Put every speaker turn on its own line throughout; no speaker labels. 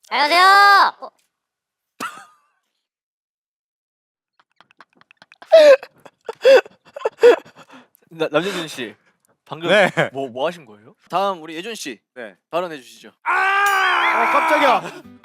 안녕하세요.
남재준 씨 방금
네.
뭐 하신 거예요? 다음 우리 예준 씨
네.
발언해 주시죠.
깜짝이야.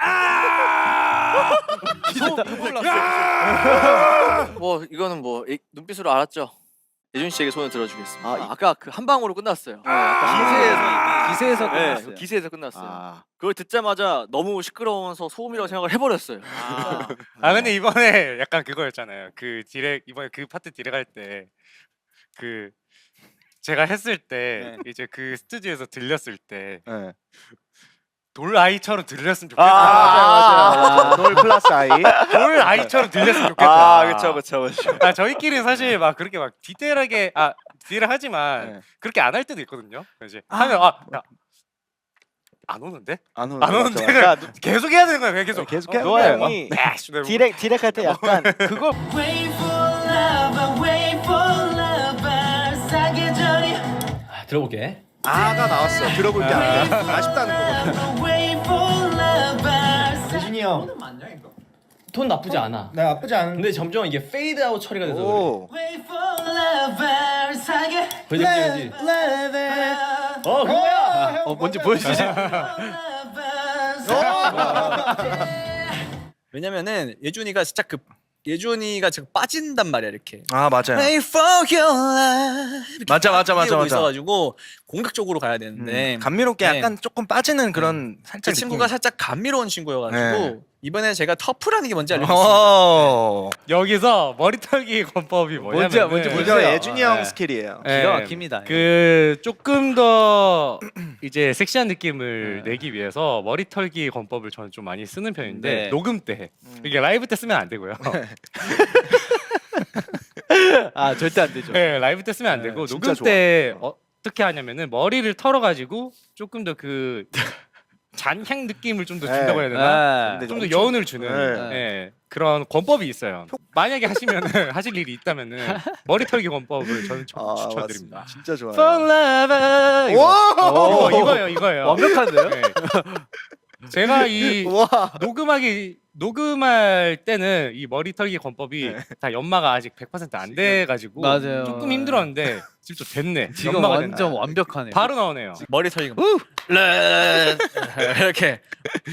뭐 이거는 뭐 눈빛으로 알았죠. 예준 씨에게 손을 들어주겠습니다.
아,
아까 그 한 방으로 끝났어요.
기세에서
네,
끝났어요.
기세에서 끝났어요.
아.
그걸 듣자마자 너무 시끄러워서 소음이라고 생각을 해버렸어요.
근데 이번에 약간 그거였잖아요. 그 디렉 이번에 그 파트 디렉 할 때 그 제가 했을 때 이제 그 스튜디오에서 들렸을 때 돌 아이처럼 들렸으면 좋겠다.
맞아요. 돌 플러스 아이.
돌 아이처럼 들렸으면 좋겠다.
그쵸.
저희끼리는 사실 막 그렇게 막 디테일하게 디테일하지만 그렇게 안 할 때도 있거든요. 이제 하면 야, 안 오는데?
안
안 오는데 그냥 계속 해야 되는 거야. 그냥 계속.
계속 해야
노아
돼요.
형이
디렉 할 때 약간 그거
들어볼게.
아가 나왔어. 들어볼 게 아니라 아쉽다는 거거든.
예준이 형,
톤 나쁘지 않아.
나 나쁘지 않은데.
근데 점점 이게 페이드 아웃 처리가 돼서 그래.
오.
그지? 그거야.
뭔지 보여주시죠.
왜냐면은 예준이가 진짜 예준이가 지금 빠진단 말이야 이렇게.
아 맞아요.
Wait for your love.
맞아.
있어가지고 공격적으로 가야 되는데
감미롭게
네.
약간 조금 빠지는 그런 살짝
그 친구가 살짝 감미로운 친구여가지고 이번에 제가 터프라는 게 뭔지 알려줬습니다.
여기서 머리 털기 권법이 뭐냐면
이거 예준이 형 스킬이에요.
기가 막힙니다.
그 조금 더 이제 섹시한 느낌을 내기 위해서 머리 털기 권법을 저는 좀 많이 쓰는 편인데
네.
녹음 때 이게 라이브 때 쓰면 안 되고요.
아 절대 안 되죠.
네, 라이브 때 쓰면 안 되고 녹음 때 어떻게 하냐면은 머리를 털어가지고 조금 더 그 잔향 느낌을 좀 더 준다고 해야 되나? 좀 더 여운을 주는 그런 권법이 있어요. 만약에 하시면은 하실 일이 있다면은 머리 털기 권법을 저는 추천드립니다.
진짜 좋아요.
Fall Love 이거예요.
완벽한데요?
네. 제가 이 녹음할 때는 이 머리 털기 권법이 다 연마가 아직 100% 안 돼가지고
맞아요.
조금 힘들었는데 지금 또 됐네.
지금
연마가
완전
됐네.
완벽하네요.
바로 나오네요.
머리 털기. 이렇게.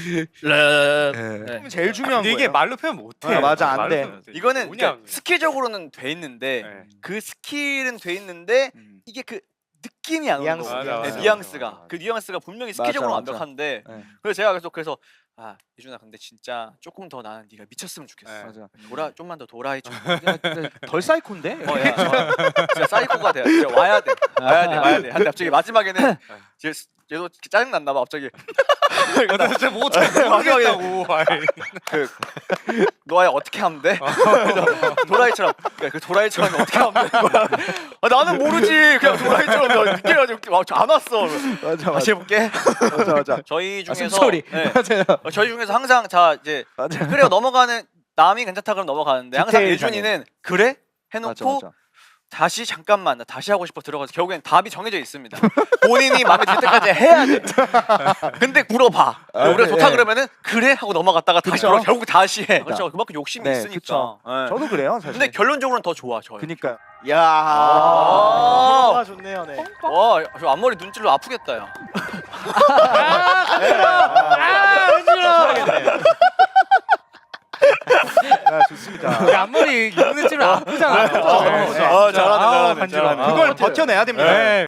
제일 중요한
근데
거예요.
이게 말로 표현 못해.
맞아, 안
말로
돼.
표현 못해.
이거는
뭐냐,
그러니까 스킬적으로는 돼 있는데 그 스킬은 돼 있는데 이게 그 느낌이 안 오는
뉘앙스,
거예요.
맞아,
네,
맞아.
뉘앙스가 그 뉘앙스가 분명히 스킬적으로
맞아.
완벽한데
네.
그래서 제가 그래서 예준아 근데 진짜 조금 더 나는 네가 미쳤으면 좋겠어.
네.
맞아.
좀만 더 도라이 좀.
덜 사이콘데?
야, 진짜 사이코가 돼. 진짜 와야 돼. 근데 갑자기 마지막에는 얘도 짜증 났나 봐 갑자기.
나 진짜 모르겠다고.
그 너야 어떻게 하면 돼? 그래서 도라이처럼 그 도라이처럼 어떻게 하면 되는 거야? 나는 모르지. 그냥 도라이처럼 늦게 가지고 안 왔어.
맞아.
다시 해볼게.
맞아.
저희 중에서
숨소리.
맞아요. 저희 중에서 항상 이제
맞아.
그래요 넘어가는 남이 괜찮다 그러면 넘어가는데 항상
디테일
예준이는 그래 해놓고
맞아.
다시 잠깐만 나 다시 하고 싶어 들어가서 결국엔 답이 정해져 있습니다. 본인이 마음에 들 때까지 해야 돼. 근데 물어봐. 우리가 좋다 그러면은 그래 하고 넘어갔다가 다시
그쵸?
돌아 결국 다시 해.
그러니까.
그렇죠. 그만큼 욕심이
네,
있으니까.
그쵸.
네.
저도 그래요, 사실.
근데 결론적으로는 더 좋아 저요.
그니까요.
아.
좋네요, 네.
와, 저 앞머리 눈질로 아프겠다 야.
좋습니다.
앞머리 눈에 찌면 아프잖아.
잘하네.
그걸 버텨내야 됩니다.
네.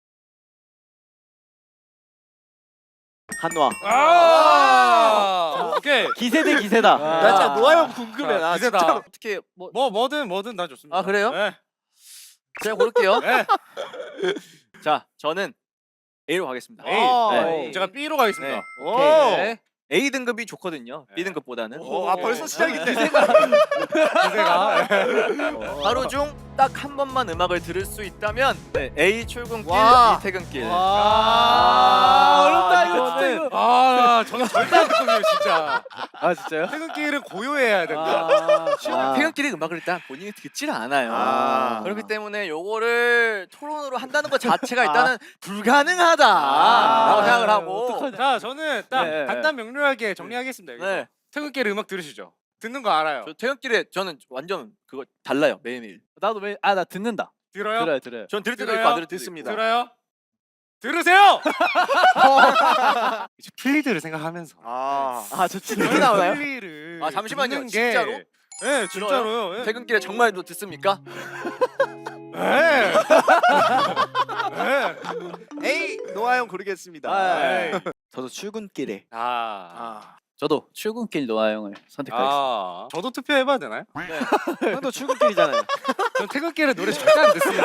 한노아.
오케이.
기세 대 기세다.
나 진짜 노아 형 궁금해. 나
기세다.
진짜로.
어떻게 뭐
뭐든 다 좋습니다.
아, 그래요?
네.
제가 고를게요.
네.
자, 저는 A로 가겠습니다.
A.
네.
제가 B로 가겠습니다.
네.
오.
네. A 등급이 좋거든요. B 등급보다는.
벌써 시작인데.
기세가.
하루 중 딱 한 번만 음악을 들을 수 있다면 네, A 출근길,
와.
B 퇴근길.
어렵다 이거 진짜 이거.
저는 절대 안 듣거든요 진짜.
아 진짜요?
퇴근길은 고요해야 된다.
퇴근길의 음악을 일단 본인이 듣질 않아요.
아.
그렇기 때문에 요거를 토론으로 한다는 것 자체가 일단은 불가능하다라고 생각을 하고.
자 저는 딱
네.
간단 명료하게 정리하겠습니다. 여기서.
네.
퇴근길 음악 들으시죠. 듣는 거 알아요.
저 퇴근길에 저는 완전 그거 달라요 매일매일.
나도 나 듣는다.
들어요?
들어요.
전 들을 때도
들어요?
있고 안 들을 때도
듣습니다.
들어요? 들으세요! 이제 플리드를 생각하면서
아,
저 듣기 나오나요?
플리를
아, 잠시만요.
듣는 게-
진짜로?
네 진짜로요. 예.
퇴근길에 정말 또 듣습니까?
네. 네.
A 노아형 고르겠습니다.
네.
저도 출근길에.
아.
저도 출근길 노아 형을 선택하겠습니다.
저도 투표해봐야 되나요?
형도 출근길이잖아요.
전 퇴근길에 노래 절대 안 듣습니다.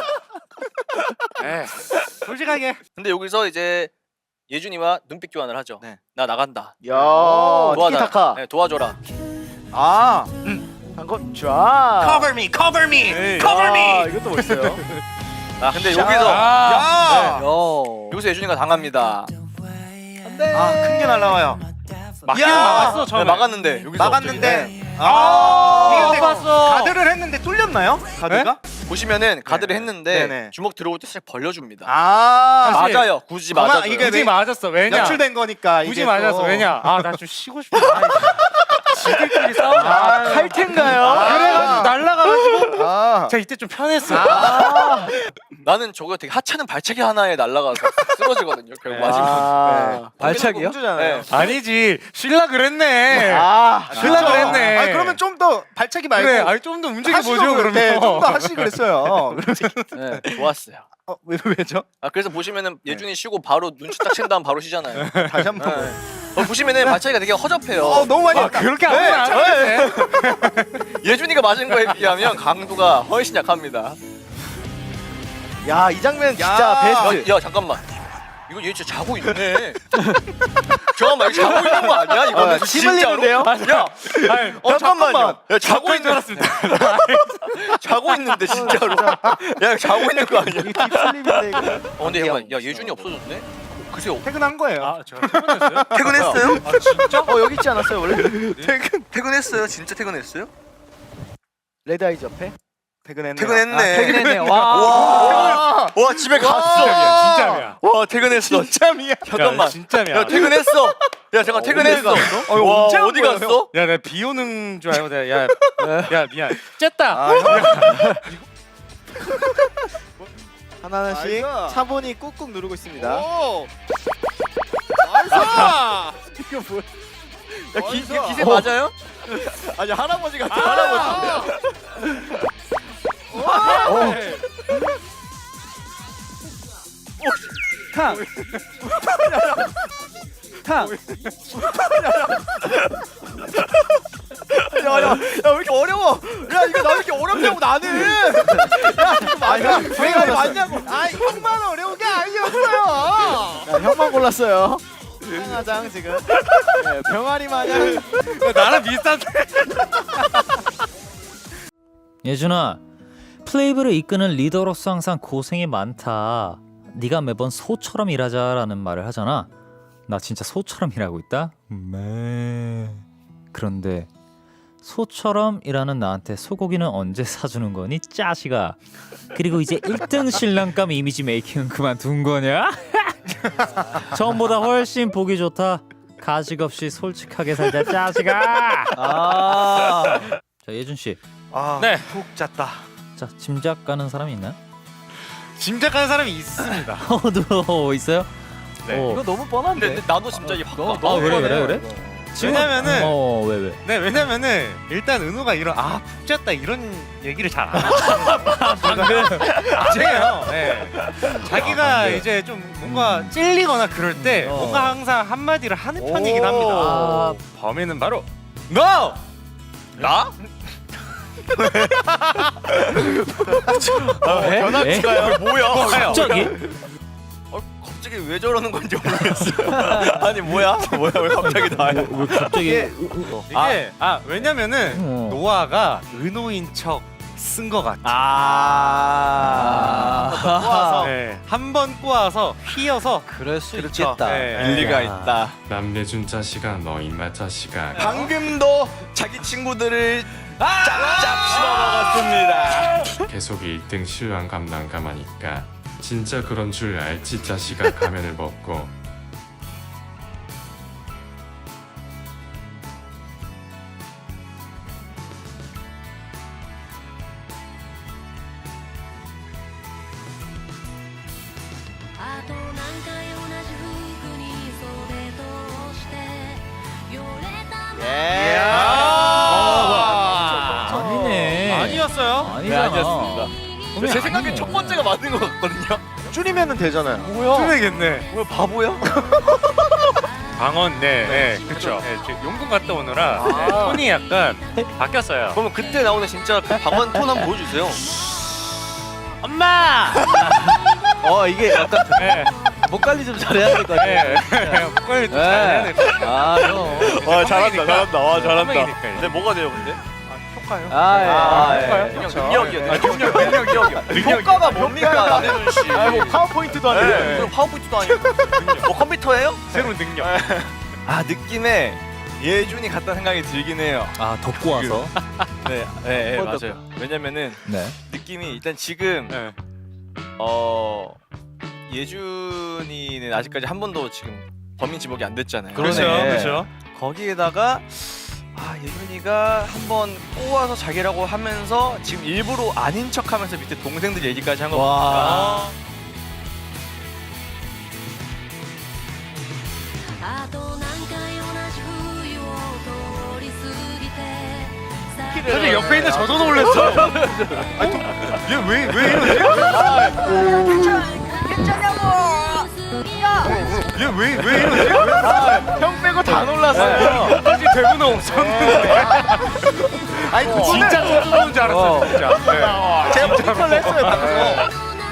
네. 솔직하게.
근데 여기서 이제 예준이와 눈빛 교환을 하죠.
네.
나 나간다.
야,
티키타카.
네, 도와줘라.
아,
방금 좋아.
me, cover me.
아, 이것도 멋있어요.
아 근데
샤.
여기서
야,
여기서 예준이가 당합니다.
큰 게 날라와요.
막긴
야!
막았어
네,
처음에.
막았는데 여기서
막았는데,
아,
이게 근데 가드를 했는데 뚫렸나요? 가드가?
보시면은 가드를 했는데
네네.
주먹 들어올 때 살짝 벌려줍니다.
아,
사실-
맞아요. 굳이
그만,
맞아요.
이게
굳이 맞았어. 왜냐?
연출된 거니까
굳이
이게
맞았어.
또.
왜냐? 아 나 좀 쉬고 싶어. 지들끼리 싸우자.
칼텐가요?
그래가지고 날라가가지고
아,
제가 이때 좀 편했어.
나는 저거 되게 하찮은 발차기 하나에 날아가서 쓰러지거든요. 결국 맞으면.
아, 발차기요?
공주잖아요.
네.
아니지. 쉴라 그랬네.
아,
쉴라 그랬네.
아, 그러면 좀 더 발차기 말고
그래. 아니 좀 더 움직여 보죠.
하시고
그러면.
네, 좀더 하시 그랬어요.
네, 좋았어요.
왜죠?
아 그래서 보시면은 예준이 쉬고 바로 눈치 딱 챈 다음 바로 쉬잖아요.
다시 한 번.
보시면은 발차기가 되게 허접해요.
너무 많이
아
했다.
그렇게 아무나 안 하는데.
예준이가 맞은 거에 비하면 강도가 훨씬 약합니다.
야, 이 장면 진짜
야.
베스트.
야 잠깐만. 이거 얘 진짜 자고 있네. 잠깐만 이거 자고 있는 거 아니야? 이거는
침
진짜로?
흘리는데요?
야
아니,
잠깐만요. 야 자고
줄
있는
알았습니다.
자고 있는데 진짜로. 야 자고 있는 거 아니야?
이게 딥슬립인데 이거.
근데 잠깐 야 예준이 없어졌네. 글쎄요.
퇴근한 거예요.
아 제가 퇴근했어요?
퇴근했어요?
아 진짜?
여기 있지 않았어요 원래?
퇴근했어요? 진짜 퇴근했어요?
레드아이즈 옆에?
퇴근했네.
퇴근했네.
퇴근했네. 와.
와 집에 갔어.
진짜야.
와 퇴근했어.
진짜미야.
잠깐만.
진짜야.
야 퇴근했어. 야 잠깐 퇴근했어. 와
언제 한
어디
거예요,
갔어?
야, 내가 비 오는 줄 알고 내가 야 미안. 쨌다.
하나하나씩
아이고.
차분히 꾹꾹 누르고 있습니다.
오. 나이스.
이거 뭐야?
야 기세 맞아요?
아니 할아버지 같아 할아버지. 탕. 탕. 야야야 왜 이렇게 어려워? 야 이거 나 왜 이렇게 어렵냐고 나는. 야 이거 맞아? 왜 이거 맞냐고?
아, 형만 어려운 게 아니었어요.
야 형만 골랐어요. 하장 지금 네, 병아리 마냥.
나랑 비슷한데.
예준아, 플레이브를 이끄는 리더로서 항상 고생이 많다. 네가 매번 소처럼 일하자라는 말을 하잖아. 나 진짜 소처럼 일하고 있다? 그런데 소처럼 일하는 나한테 소고기는 언제 사주는 거니? 짜식아. 그리고 이제 1등 신랑감 이미지 메이킹은 그만둔 거냐? 전보다 훨씬 보기 좋다. 가식 없이 솔직하게 살자 짜식아. 자 예준 씨,
네.
푹 잤다.
자 짐작 가는 사람이 있나요?
짐작하는 사람이 있습니다.
누워 있어요?
네.
이거 너무 뻔한데.
근데 나도 진짜 이 바꿔.
아 그래?
왜냐면은
왜?
네 왜냐면은 일단 은우가 이런 푹 잤다 이런 얘기를 잘 안 해요. 아니에요. 네. 자기가 이제 좀 뭔가 찔리거나 그럴 때 뭔가 항상 한마디를 하는 편이긴 합니다. 범인은 바로 너!
나?
변화치가요?
뭐야?
갑자기?
갑자기 왜 저러는 건지 모르겠어. 아니 뭐야? 왜 갑자기 나야?
왜 갑자기?
이게 왜냐면은 노아가 은호인 척 쓴 것 같아.
꼬아서
네, 한번 꼬아서 휘어서
그럴 수
그렇죠.
있겠다.
네.
일리가
야.
있다.
남대준 자식아 너 임마 자식아
방금도 자기 친구들을 짭짭 씹어 먹었습니다.
계속 1등 실황 감당 가마니까 진짜 그런 줄 알지 자식아 가면을 벗고
예.
아니네.
아니었어요?
네, 아니었습니다. 제 생각엔 첫 번째가 맞는 것 같거든요.
줄이면은 되잖아요.
뭐야?
줄이겠네.
뭐야 바보야?
방언, 네, 그렇죠. 네, 저 용궁 갔다 오느라 네, 톤이 약간 바뀌었어요.
그러면 그때 나오는 진짜 그 방언 톤 한번 보여주세요.
엄마!
이게 약간
네,
목 관리 좀 잘해야 될 것 같아.
네, 빨리 좀 잘해야 될 것 같아요.
아, 형.
와 잘한다 잘한다. 와 잘한다.
선배이니까.
근데 뭐가 돼요 근데?
효과요.
그냥 능력이요. 효과가 뭡니까 나대준 씨?
뭐 파워포인트도 아니고.
네. 그럼 파워포인트도 아니고. 뭐 컴퓨터예요?
새로운 능력.
아 느낌에 예준이 같다는 생각이 들긴 해요.
아 덮고 와서.
네 맞아요. 왜냐면은
네.
느낌이 일단 지금
네.
예준이는 아직까지 한 번도 지금 범인 지목이 안 됐잖아요.
그렇죠,
네.
그렇죠.
거기에다가 예준이가 한번 꼬아서 자기라고 하면서 지금 일부러 아닌 척하면서 밑에 동생들 얘기까지 한 거 보니까
あと何回同じ冬を通り過ぎて
사실 옆에 있는 저도 놀랐어. 얘왜 이러지? 얘왜 이러지?
형 빼고 다 놀랐어요.
사실 대부분 없었는데.
아니 그거는
진짜 저도 놀는 줄 알았어요, 진짜. 네.
제가 모니터를 했어요 방금.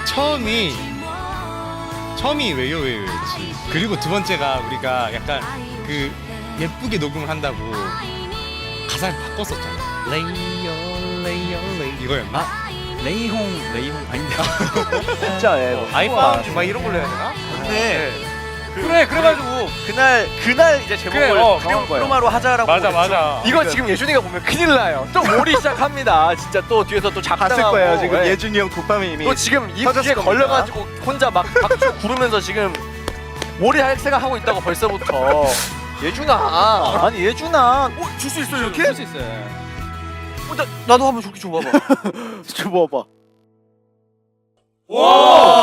처음이 왜요였지. 그리고 두 번째가 우리가 약간 그 예쁘게 녹음을 한다고 가사를 바꿨었잖아. 레이어 이거였나?
레이홍 아닌데.
진짜, 예.
아이폰 막 이런 걸로 해야 되나?
근데
그래가지고
그날 이제 제목을
그래, 정한 거예요.
프로마로 하자라고.
맞아.
이거 지금 예준이가 보면 큰일 나요. 또 몰이 시작합니다. 진짜 또 뒤에서 또
봤을
작당하고.
거예요. 지금
예.
예준이 형 도파민 이미.
또 지금
터졌을
입에
겁니다.
걸려가지고 혼자 막 박수 구르면서 지금 몰이 할 생각하고 있다고 벌써부터. 예준아.
아니, 예준아.
줄 수 있어 이렇게?
할 수 있어요.
나도 한번 저렇게 줘봐봐.
줘봐봐.
와!